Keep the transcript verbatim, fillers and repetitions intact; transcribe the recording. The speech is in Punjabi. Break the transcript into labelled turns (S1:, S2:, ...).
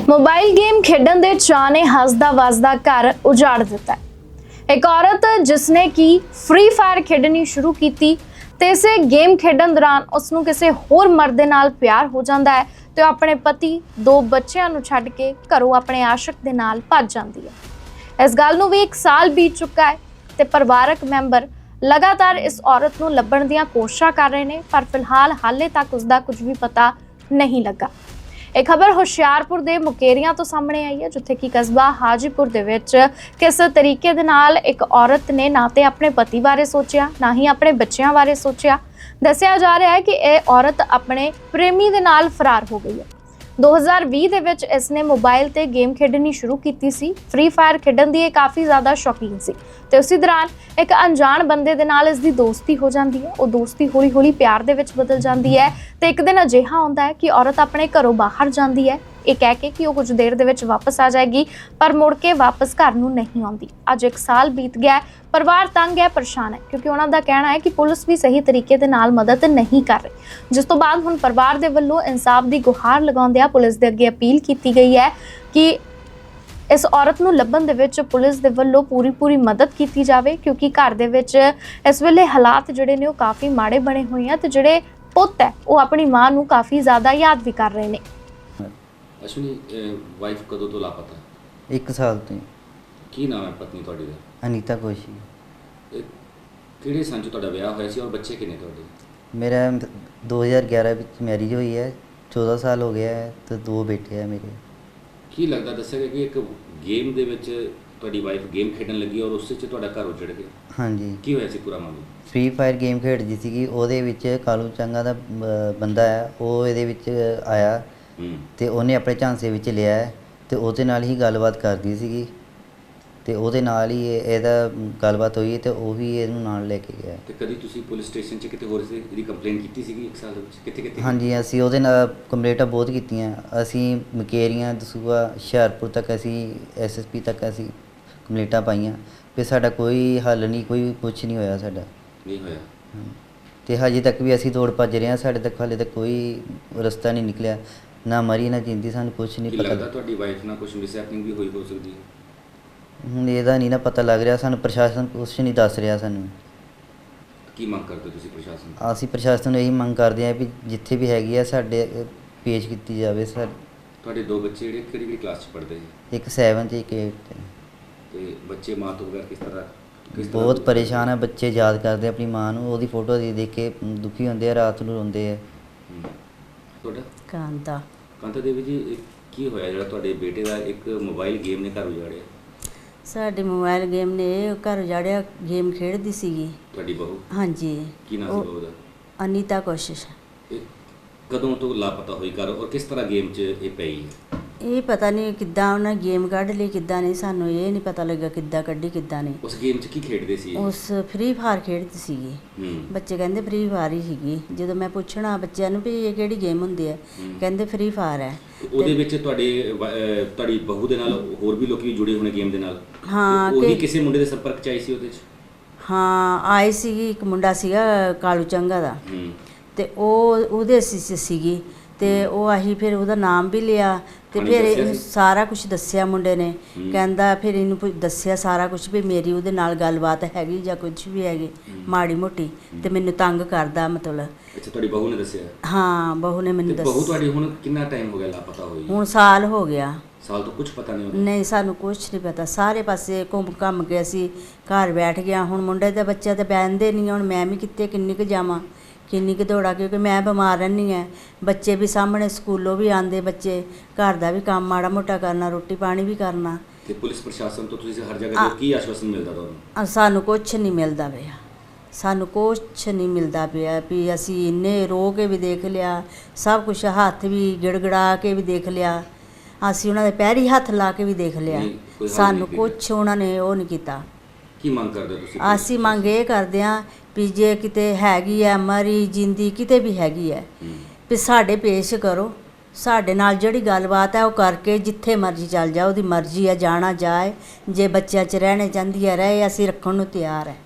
S1: मोबाइल गेम खेडन दे चाह ने हसदा वसदा घर उजाड़ दिता है। एक औरत जिसने की फ्री फायर खेडनी शुरू की थी ते इसे गेम खेडन दौरान उसनू किसी होर मर्द दे नाल प्यार हो जाता है तो अपने पति दो बच्चों नू छड्ड के घरों अपने आशिक दे नाल भज जाती है। इस गल नू भी एक साल बीत चुका है ते परिवारक मैंबर लगातार इस औरत नू लभण दीआं कोशिशां कर रहे हैं, पर फिलहाल हाले तक उसका कुछ भी पता नहीं लगा। एक खबर हुशियारपुर के मुकेरियां तो सामने आई है, जिथे कि कस्बा हाजीपुर दे विच किस तरीके दे नाल एक औरत ने ना तो अपने पति बारे सोचा ना ही अपने बच्चों बारे सोचा। दस्सिया जा रहा है कि यह औरत अपने प्रेमी दे नाल फरार हो गई है। दो हज़ार भी दे विच इसने मोबाइल ते गेम खेडनी शुरू की सी। फ्री फायर खेडन दी काफ़ी ज़्यादा शौकीन सी ते उसी दौरान एक अनजान बंदे दे नाल इसदी दोस्ती हो जाती है। वो दोस्ती हौली हौली प्यार दे विच बदल जाती है ते एक दिन अजिहा आउंदा है कि औरत अपने घरों बाहर जाती है, ये कह के कि वो कुछ देर दे विच वापस आ जाएगी, पर मुड़ के वापस घर नूं नहीं आउंदी। अज एक साल बीत गया है, परिवार तंग है, परेशान है, क्योंकि उन्हां दा कहना है कि पुलिस भी सही तरीके दे नाल मदद नहीं कर रही। जिस तो बाद हुण परिवार दे वल्लों इंसाफ दी गुहार लगाउंदिआं पुलिस दे अगे अपील की गई है कि इस औरत नूं लभण दे विच पुलिस दे वल्लों पूरी पूरी मदद की जाए, क्योंकि घर दे विच इस वेले हालात जिहड़े ने काफ़ी माड़े बने हुए हैं ते जिहड़े पुत्त है वो अपनी मां नूं काफ़ी ज़्यादा याद भी कर रहे हैं।
S2: अश्विनी वाइफ कदों तो लापता?
S3: एक साल तो।
S2: की नाम है पत्नी तुहाडी दा?
S3: अनीता कोशी।
S2: किहड़े सन च तुहाडा विआह होया सी और बच्चे किन्ने तुहाडे?
S3: मेरा दो हज़ार ग्यारह विच मैरिज हुई है, चौदह साल हो गया है तो दो बेटे हैं मेरे।
S2: की लगदा दस्सिया गया कि एक गेम दे विच तुहाडी वाइफ गेम खेडन लगी और उस च तुहाडा घर उजड़ गया? हाँ जी। की होया सी पूरा मामला?
S3: फ्री फायर गेम खेडदी सीगी, ਉਹਦੇ ਵਿੱਚ ਕਾਲੂ ਚੰਗਾ ਦਾ ਬੰਦਾ ਹੈ, ਉਹ ਇਹਦੇ ਵਿੱਚ ਆਇਆ ਤੇ ਉਹਨੇ ਆਪਣੇ ਝਾਂਸੇ ਵਿੱਚ ਲਿਆ ਤੇ ਉਹਦੇ ਨਾਲ ਹੀ ਗੱਲਬਾਤ ਕਰਦੀ ਸੀਗੀ ਤੇ ਉਹਦੇ ਨਾਲ ਹੀ ਇਹ- ਇਹਦਾ ਗੱਲਬਾਤ ਹੋਈ ਤੇ ਉਹ ਵੀ ਇਹਨੂੰ ਨਾਲ ਲੈ ਕੇ ਗਿਆ।
S2: ਤੇ ਕਦੀ ਤੁਸੀਂ ਪੁਲਿਸ ਸਟੇਸ਼ਨ 'ਚ ਕਿਤੇ ਹੋਰ ਸੀ ਇਹਦੀ ਕੰਪਲੇਂਟ ਕੀਤੀ ਸੀਗੀ ਇੱਕ ਸਾਲ ਦੇ ਵਿੱਚ? ਕਿੱਥੇ ਕਿੱਥੇ?
S3: ਹਾਂਜੀ, ਅਸੀਂ ਉਹਦੇ ਨਾਲ ਕੰਪਲੇਂਟਾਂ ਬਹੁਤ ਕੀਤੀਆਂ। ਅਸੀਂ ਮਕੇਰੀਆਂ, ਦਸੂਆ, ਹੁਸ਼ਿਆਰਪੁਰ ਤੱਕ ਅਸੀਂ ਐਸ ਐਸ ਪੀ ਤੱਕ ਅਸੀਂ ਕੰਪਲੇਂਟਾਂ ਪਾਈਆਂ ਤੇ ਸਾਡਾ ਕੋਈ ਹੱਲ ਨਹੀਂ, ਕੋਈ ਕੁਛ ਨਹੀਂ ਹੋਇਆ ਸਾਡਾ।
S2: ਨਹੀਂ ਹੋਇਆ?
S3: ਤੇ ਹਜੇ ਤੱਕ ਵੀ ਅਸੀਂ ਦੌੜ ਭੱਜ ਰਹੇ ਹਾਂ, ਸਾਡੇ ਤੱਕ ਹਾਲੇ ਤੱਕ ਕੋਈ ਰਸਤਾ ਨਹੀਂ ਨਿਕਲਿਆ, ਨਾ ਮਰੀ ਨਾ ਜਿੰਦੀ, ਸਾਨੂੰ ਕੁਛ ਨਹੀਂ
S2: ਕੀ
S3: ਪਤਾ।
S2: ਲੱਗਦਾ ਤੁਹਾਡੀ ਵਾਈਫ ਨਾਲ ਕੁਝ ਮਿਸਹੈਪਨਿੰਗ ਵੀ ਹੋਈ ਹੋ ਸਕਦੀ ਹੈ?
S3: ਹੁਣ ਇਹਦਾ ਨਹੀਂ ਨਾ ਪਤਾ ਲੱਗ ਰਿਹਾ, ਸਾਨੂੰ ਪ੍ਰਸ਼ਾਸਨ ਕੁਛ ਨਹੀਂ ਦੱਸ ਰਿਹਾ ਸਾਨੂੰ।
S2: ਕੀ ਮੰਗ ਕਰਦੇ ਤੁਸੀਂ ਪ੍ਰਸ਼ਾਸਨ ਤੋਂ?
S3: ਅਸੀਂ ਪ੍ਰਸ਼ਾਸਨ ਨੂੰ ਇਹੀ ਮੰਗ ਕਰਦੇ ਹਾਂ ਵੀ ਜਿੱਥੇ ਵੀ ਹੈਗੀ ਆ ਸਾਡੇ ਪੇਸ਼ ਕੀਤੀ ਜਾਵੇ। ਸਰ
S2: ਤੁਹਾਡੇ ਦੋ ਬੱਚੇ ਜਿਹੜੇ ਕਿਹੜੀ ਕਿਹੜੀ ਕਲਾਸ 'ਚ ਪੜ੍ਹਦੇ ਹੈ?
S3: ਇੱਕ ਸੈਵਨ 'ਚ ਇੱਕ ਏਟ 'ਚ।
S2: ਤੇ ਬੱਚੇ ਮਾਂ ਤੋਂ ਬਗੈਰ ਕਿਸ ਤਰ੍ਹਾਂ ਕਿਸ ਤਰ੍ਹਾਂ
S3: ਬਹੁਤ ਪਰੇਸ਼ਾਨ ਹੈ ਬੱਚੇ, ਯਾਦ ਕਰਦੇ ਆਪਣੀ ਮਾਂ ਨੂੰ, ਉਹਦੀ ਫੋਟੋ ਦੇਖ ਦੇਖ ਕੇ ਦੁਖੀ ਹੁੰਦੇ ਆ, ਰਾਤ ਨੂੰ ਰੋਂਦੇ ਆ।
S2: ਤੁਹਾਡਾ?
S4: ਕਾਂਤਾ।
S2: ਕਾਂਤਾ ਦੇਵੀ ਜੀ, ਇਹ ਕੀ ਹੋਇਆ ਜਿਹੜਾ ਤੁਹਾਡੇ ਬੇਟੇ ਦਾ ਇੱਕ ਮੋਬਾਈਲ ਗੇਮ ਨੇ ਘਰ ਉਜਾੜਿਆ?
S4: ਸਾਡੇ ਮੋਬਾਈਲ ਗੇਮ ਨੇ ਇਹ ਘਰ ਉਜਾੜਿਆ। ਗੇਮ ਖੇਡਦੀ ਸੀਗੀ
S2: ਤੁਹਾਡੀ ਬਹੂ?
S4: ਹਾਂਜੀ।
S2: ਕੀ ਨਾਮ ਸੀ ਬਹੂ ਦਾ?
S4: ਅਨੀਤਾ ਕੋਸ਼ਿਸ਼।
S2: ਇਹ ਕਦੋਂ ਤੋਂ ਲਾਪਤਾ ਹੋਈ ਘਰ ਔਰ ਕਿਸ ਤਰ੍ਹਾਂ ਗੇਮ 'ਚ ਇਹ ਪਈ ਹੈ?
S4: ਇਹ ਪਤਾ ਨਹੀਂ ਕਿੱਦਾਂ ਉਹਨਾਂ ਗੇਮ ਕੱਢ ਲਈ, ਕਿੱਦਾਂ ਨਹੀਂ, ਸਾਨੂੰ ਇਹ ਨਹੀਂ ਪਤਾ ਲੱਗਾ ਕਿੱਦਾਂ ਕੱਢੀ ਕਿੱਦਾਂ ਨਹੀਂ।
S2: ਉਸ ਗੇਮ 'ਚ ਕੀ ਖੇਡਦੇ ਸੀ?
S4: ਉਸ ਫ੍ਰੀ ਫਾਇਰ ਖੇਡਦੀ ਸੀਗੀ।
S2: ਹੂੰ।
S4: ਬੱਚੇ ਕਹਿੰਦੇ ਫ੍ਰੀ ਫਾਇਰ ਹੀ ਸੀਗੀ। ਜਦੋਂ ਮੈਂ ਪੁੱਛਣਾ ਬੱਚਿਆਂ ਨੂੰ ਵੀ ਇਹ ਕਿਹੜੀ ਗੇਮ ਹੁੰਦੀ ਹੈ, ਕਹਿੰਦੇ ਫ੍ਰੀ ਫਾਇਰ ਹੈ।
S2: ਉਹਦੇ ਵਿੱਚ ਤੁਹਾਡੇ ਵ- ਅਹ ਤੁਹਾਡੀ ਬਹੂ ਦੇ ਨਾਲ ਹੋਰ ਵੀ ਲੋਕੀ ਜੁੜੇ ਹੋਣੇ ਗੇਮ ਦੇ ਨਾਲ?
S4: ਹਾਂ।
S2: ਉਹ ਵੀ
S4: ਕਿ
S2: ਕਿਸੇ ਮੁੰਡੇ ਦੇ ਸੰਪਰਕ 'ਚ ਆਈ ਸੀ ਉਹਦੇ 'ਚ?
S4: ਹਾਂ ਆਈ ਸੀਗੀ, ਇੱਕ ਮੁੰਡਾ ਸੀਗਾ ਕਾਲੂ ਚੰਗਾ ਦਾ,
S2: ਹੂੰ।
S4: ਤੇ ਉਹ ਉਹਦੇ ਸੀ ਸੀਗੀ ਤੇ ਉਹ ਅਸੀਂ ਫਿਰ ਉਹਦਾ ਨਾਮ ਵੀ ਲਿਆ ਤੇ
S2: ਉਹਨੇ
S4: ਫਿਰ
S2: ਦੱਸਿਆ
S4: ਇਹਨੂੰ
S2: ਸੀ?
S4: ਸਾਰਾ ਕੁਝ ਦੱਸਿਆ ਮੁੰਡੇ ਨੇ।
S2: ਹੂੰ।
S4: ਕਹਿੰਦਾ ਫਿਰ ਇਹਨੂੰ ਪੁ- ਦੱਸਿਆ ਸਾਰਾ ਕੁਝ ਵੀ ਮੇਰੀ ਉਹਦੇ ਨਾਲ ਗੱਲਬਾਤ ਹੈਗੀ ਜਾਂ ਕੁਝ ਵੀ ਹੈਗੀ ਮਾੜੀ ਮੋਟੀ, ਤੇ ਮੈਨੂੰ ਤੰਗ ਕਰਦਾ ਮਤਲਬ।
S2: ਅੱਛਾ, ਤੁਹਾਡੀ ਬਹੂ ਨੇ ਦੱਸਿਆ?
S4: ਹਾਂ, ਬਹੂ ਨੇ ਮੈਨੂੰ
S2: ਤੇ ਬਹੂ
S4: ਦੱਸਿਆ।
S2: ਤੁਹਾਡੀ ਹੁਣ ਕਿੰਨਾ ਟਾਈਮ ਹੋ ਗਿਆ ਲਾਪਤਾ ਹੋਈ?
S4: ਹੁਣ ਸਾਲ ਹੋ ਗਿਆ।
S2: ਸਾਲ ਤੋਂ ਕੁਝ ਪਤਾ ਨਹੀਂ ਉਹਦਾ?
S4: ਨਹੀਂ, ਸਾਨੂੰ ਕੁਝ ਨਹੀਂ ਪਤਾ। ਸਾਰੇ ਪਾਸੇ ਘੁੰਮ ਘੰਮ ਕੇ ਅਸੀਂ ਘਰ ਬੈਠ ਗਿਆ। ਹੁਣ ਮੁੰਡੇ ਦੇ ਬੱਚੇ ਤੇ ਬਹਿੰਦੇ ਨਹੀਂ, ਹੁਣ ਮੈਂ ਵੀ ਕਿੱਥੇ ਕਿੰਨੀ ਕੁ ਜਾਵਾਂ, ਕਿੰਨੀ ਕੁ ਦੌੜਾਂ, ਕਿਉਂਕਿ ਮੈਂ ਬਿਮਾਰ ਰਹਿੰਦੀ ਹਾਂ। ਬੱਚੇ ਵੀ ਸਾਹਮਣੇ ਸਕੂਲੋਂ ਵੀ ਆਉਂਦੇ ਬੱਚੇ, ਘਰ ਦਾ ਵੀ ਕੰਮ ਮਾੜਾ ਮੋਟਾ ਕਰਨਾ, ਰੋਟੀ ਪਾਣੀ ਵੀ ਕਰਨਾ।
S2: ਤੇ ਪੁਲਿਸ ਪ੍ਰਸ਼ਾਸਨ ਤੋਂ ਤੁਸੀਂ ਹਰ ਜਗ੍ਹਾ ਤੇ ਕੀ ਆਸ਼ਵਾਸਨ ਮਿਲਦਾ ਤੁਹਾਨੂੰ?
S4: ਅ, ਸਾਨੂੰ ਕੁਛ ਨਹੀਂ ਮਿਲਦਾ ਪਿਆ, ਸਾਨੂੰ ਕੁਛ ਨਹੀਂ ਮਿਲਦਾ ਪਿਆ ਵੀ ਅਸੀਂ ਇੰਨੇ ਰੋ ਕੇ ਵੀ ਦੇਖ ਲਿਆ, ਸਭ ਕੁਝ ਹੱਥ ਵੀ ਗਿੜਗੜਾ ਕੇ ਵੀ ਦੇਖ ਲਿਆ, ਅਸੀਂ ਉਹਨਾਂ ਦੇ ਪੈਰੀ ਹੱਥ ਲਾ ਕੇ ਵੀ ਦੇਖ ਲਿਆ,
S2: ਨਹੀਂ, ਕੋਈ ਹੱਲ
S4: ਸਾਨੂੰ
S2: ਨਹੀਂ
S4: ਕੁਛ ਉਹਨਾਂ ਨੇ ਉਹ ਨਹੀਂ ਕੀਤਾ।
S2: ਕੀ ਮੰਗ ਕਰਦੇ ਹੋ ਤੁਸੀਂ?
S4: ਅਸੀਂ ਮੰਗ ਇਹ ਕਰਦੇ ਹਾਂ ਵੀ ਜੇ ਕਿਤੇ ਹੈਗੀ ਹੈ ਮਰੀ ਜਿੰਦੀ ਕਿਤੇ ਵੀ ਹੈਗੀ ਹੈ
S2: ਹੂੰ।
S4: ਵੀ ਸਾਡੇ ਪੇਸ਼ ਕਰੋ, ਸਾਡੇ ਨਾਲ ਜਿਹੜੀ ਗੱਲਬਾਤ ਹੈ ਉਹ ਕਰਕੇ ਜਿੱਥੇ ਮਰਜ਼ੀ ਚੱਲ ਜਾ, ਉਹਦੀ ਮਰਜ਼ੀ ਹੈ, ਜਾਣਾ ਜਾਏ। ਜੇ ਬੱਚਿਆਂ 'ਚ ਰਹਿਣੇ ਚਾਹੁੰਦੀ ਹੈ ਰਹੇ, ਅਸੀਂ ਰੱਖਣ ਨੂੰ ਤਿਆਰ ਹੈ।